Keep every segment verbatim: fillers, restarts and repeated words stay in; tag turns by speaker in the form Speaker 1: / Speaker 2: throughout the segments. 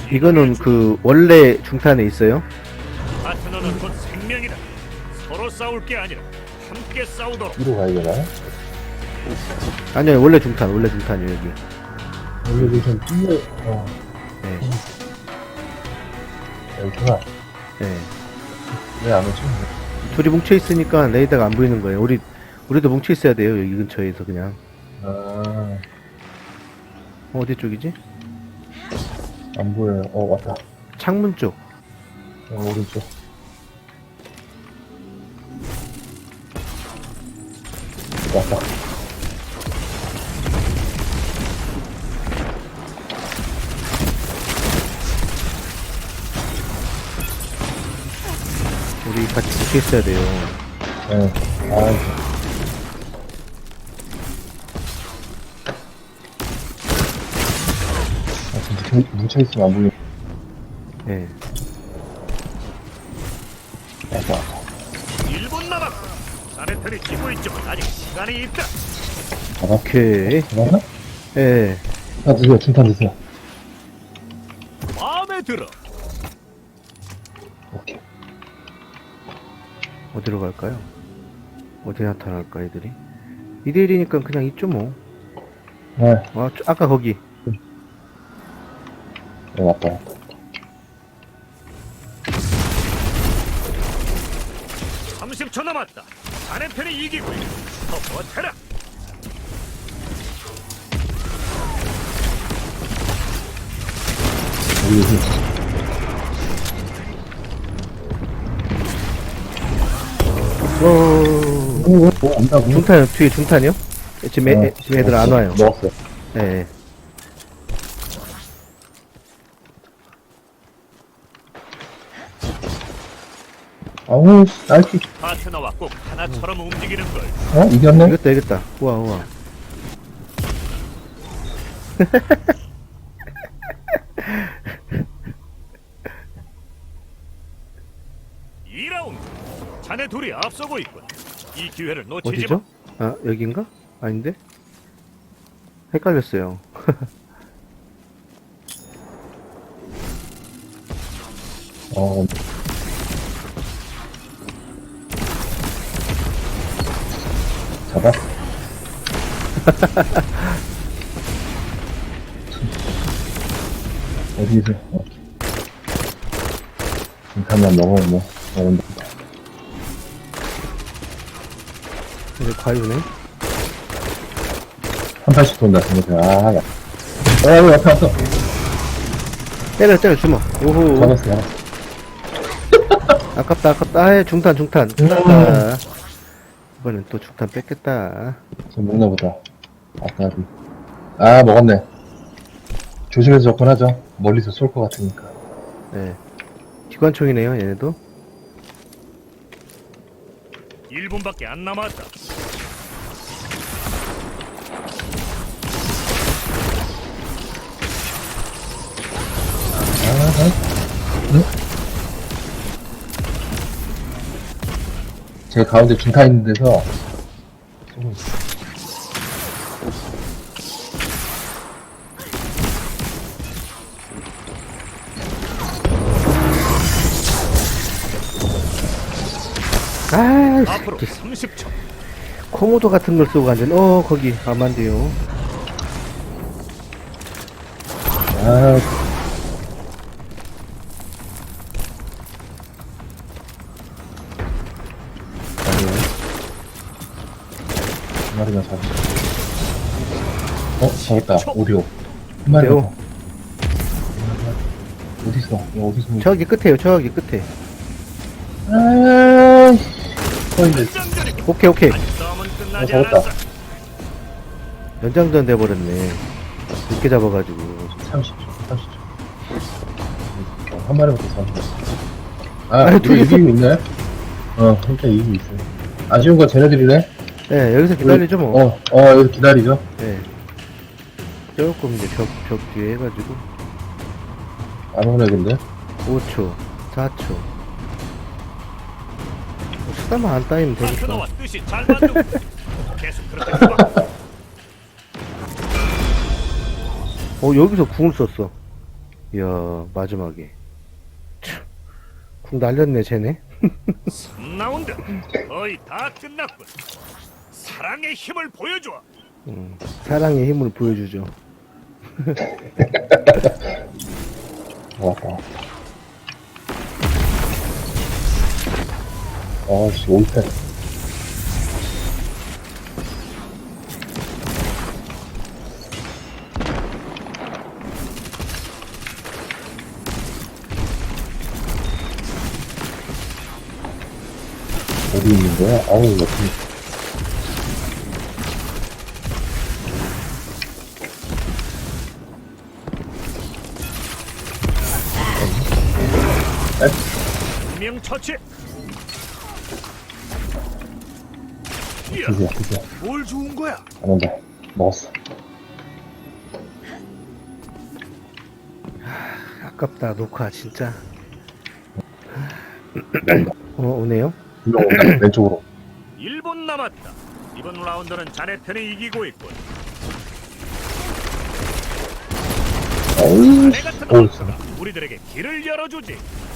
Speaker 1: 이거는 그 원래 중탄에 있어요?
Speaker 2: 파트너는 곧 생명이다. 서로 싸울 게 아니라 함께 싸우도록.
Speaker 3: 뒤로 가야 되나?
Speaker 1: 아니요, 원래 중탄, 원래 중탄이요, 여기.
Speaker 3: 여기 좀 뛰어, 어,
Speaker 1: 네,
Speaker 3: 여기구나.
Speaker 1: 네.
Speaker 3: 왜 안 오지?
Speaker 1: 둘이 뭉쳐 있으니까 레이더가 안 보이는 거예요. 우리 우리도 뭉쳐 있어야 돼요. 여기 근처에서 그냥.
Speaker 3: 아,
Speaker 1: 어디 쪽이지?
Speaker 3: 안 보여요. 어, 왔다.
Speaker 1: 창문 쪽.
Speaker 3: 어, 오른쪽. 왔다.
Speaker 1: 우리 같이 뭉쳐 있어야 돼요.
Speaker 3: 네. 아, 아, 진짜 뭉- 뭉쳐있으면 안 보여.
Speaker 1: 네.
Speaker 3: 왔다, 왔다.
Speaker 2: 일 분 남았고. 자네들이 지고 있지만 아직 시간이 있다.
Speaker 3: 잡아?
Speaker 1: 오케이.
Speaker 3: 잡았나?
Speaker 1: 예.
Speaker 3: 아, 드세요. 중탄 드세요.
Speaker 2: 마음에 들어.
Speaker 3: 오케이.
Speaker 1: 어디로 갈까요? 어디 나타날까, 애들이? 이 대 일이니까 그냥 있죠, 뭐.
Speaker 3: 네,
Speaker 1: 아, 저- 아까 거기.
Speaker 3: 네, 왔다, 왔다.
Speaker 2: 삼십 초 남았다. 자네 편이 이기고 있다. 더 버텨라.
Speaker 3: 여기, 여기.
Speaker 1: 오,
Speaker 3: 오, 오, 오, 온다고?
Speaker 1: 중탄, 뒤에 중탄이요? 지금, 애, 애- 지금 애들 안 와요.
Speaker 3: 먹었어요.
Speaker 1: 예.
Speaker 3: 아우, 날씨.
Speaker 2: 파트너와 꼭 하나처럼 움직이는 걸.
Speaker 3: 어? 이겼네?
Speaker 1: 이겼다, 이겼다. 우와, 우와.
Speaker 2: 이 라운드. 자네 둘이 앞서고 있군. 이 기회를 놓치지
Speaker 1: 어디죠? 아, 여긴가? 아닌데? 헷갈렸어요.
Speaker 3: 어, 잡아? 어디서? 어. 중탄만 먹으면 뭐, 먹은다.
Speaker 1: 이제 과유네.
Speaker 3: 한 팔씩 돈다, 생각해. 아, 야. 어, 여기 앞에 왔어.
Speaker 1: 때려, 때려, 주먹. 오호.
Speaker 3: 잡았어, 잡았어.
Speaker 1: 아깝다, 아깝다. 아, 중탄, 중탄. 중탄. 이번엔 또 중탄 뺏겠다.
Speaker 3: 저 먹나 보다. 아까, 그- 아, 먹었네. 조심해서 접근하죠. 멀리서 쏠 것 같으니까.
Speaker 1: 네. 기관총이네요, 얘네도.
Speaker 2: 일 분밖에 안 남았다.
Speaker 3: 아, 아. 응? 제 가운데 중탄 있는 데서 쏘고 있어.
Speaker 1: 아,
Speaker 2: 앞으로
Speaker 1: 이
Speaker 2: 삼십 초.
Speaker 1: 코모도 같은 걸 쏘고 앉은, 어, 거기, 가면 안 돼요.
Speaker 3: 아, 아니요. 한 마리만 잡았어. 어, 잡았다. 오디오. 한 마리
Speaker 1: 오디오?
Speaker 3: 더. 어딨어? 야, 어디서?
Speaker 1: 저기 끝에요, 저기 끝에.
Speaker 3: 아, 서 있네.
Speaker 2: 전장전이
Speaker 1: 오케이, 오케이.
Speaker 2: 아직 싸움은 끝나지
Speaker 3: 어, 잡았다.
Speaker 2: 않았어.
Speaker 1: 연장전 돼버렸네. 늦게 잡아가지고.
Speaker 3: 삼십 초, 삼십 초. 어, 한 마리부터 잡았어. 아,
Speaker 1: 아니,
Speaker 3: 우리
Speaker 1: 둘이서-
Speaker 3: 이기고 있네? 어, 혼자 이기고 있어요. 아쉬운 건 쟤네들이네?
Speaker 1: 네, 여기서 기다리죠, 뭐.
Speaker 3: 어, 어, 여기서 기다리죠.
Speaker 1: 네. 조금 이제 벽, 벽 뒤에 해가지고.
Speaker 3: 안 오네, 근데.
Speaker 1: 오 초, 사 초. 뭐 수다만 안 따이면 되니까.
Speaker 2: 파트너와 뜻이 잘 맞는. 계속 그렇게 해봐.
Speaker 1: 어, 여기서 궁을 썼어. 이야, 마지막에. 참, 궁 날렸네, 쟤네.
Speaker 2: 삼 라운드 거의 다 끝났군. 사랑의 힘을 보여줘.
Speaker 1: 음, 사랑의 힘을 보여주죠.
Speaker 3: 좋았다. 아씨, 올패. 어디 있는 거야? 아우, 옆에.
Speaker 2: 분명 처치. 이야,
Speaker 3: 드세요, 드세요.
Speaker 2: 뭘 좋은 거야?
Speaker 3: 안 온다. 먹었어.
Speaker 1: 아깝다, 녹화, 진짜.
Speaker 3: 먹는다.
Speaker 1: 어, 오네요?
Speaker 3: 일로 온다. 왼쪽으로.
Speaker 2: 일 분 남았다. 이번 라운드는 자네 편이 이기고 있군.
Speaker 3: 어우,
Speaker 2: 자네 같은
Speaker 3: 어우,
Speaker 2: 원수가 우리들에게 길을 열어주지.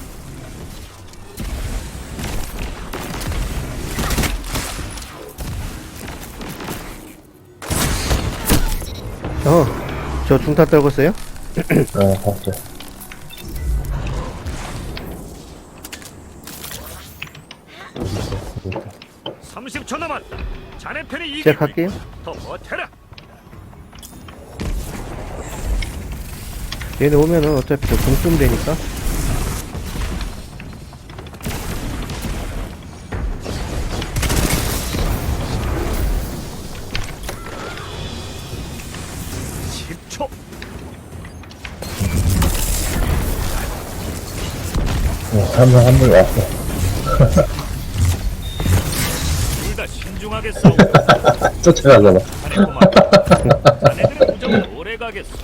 Speaker 1: 어, 저 중타 떨궜어요?
Speaker 3: 네, 봤죠.
Speaker 2: 삼십 초 남았다. 자네 편이 이기고
Speaker 1: 제가 갈게요.
Speaker 2: 있군. 더 버텨라.
Speaker 1: 얘네 오면은 어차피 저 공 쓰면 되니까.
Speaker 2: 십 초.
Speaker 3: 한 명, 한 명 왔어.
Speaker 2: 둘 다 신중하게 싸우고.
Speaker 3: 쫓아가잖아.
Speaker 2: 자네 꼬마. 자네들의 우정은 오래 가겠어.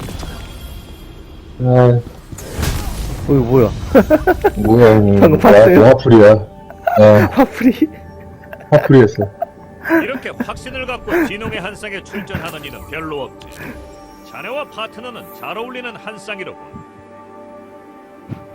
Speaker 3: 아,
Speaker 1: 어이, 뭐야.
Speaker 3: 뭐야, 이거.
Speaker 1: 방금 봤어요?
Speaker 3: 화풀이야. 어,
Speaker 1: 화풀이?
Speaker 3: 화풀이했어.
Speaker 2: 이렇게 확신을 갖고 진홍의 한쌍에 출전하는 이는 별로 없지. 자네와 파트너는 잘 어울리는 한쌍이로군.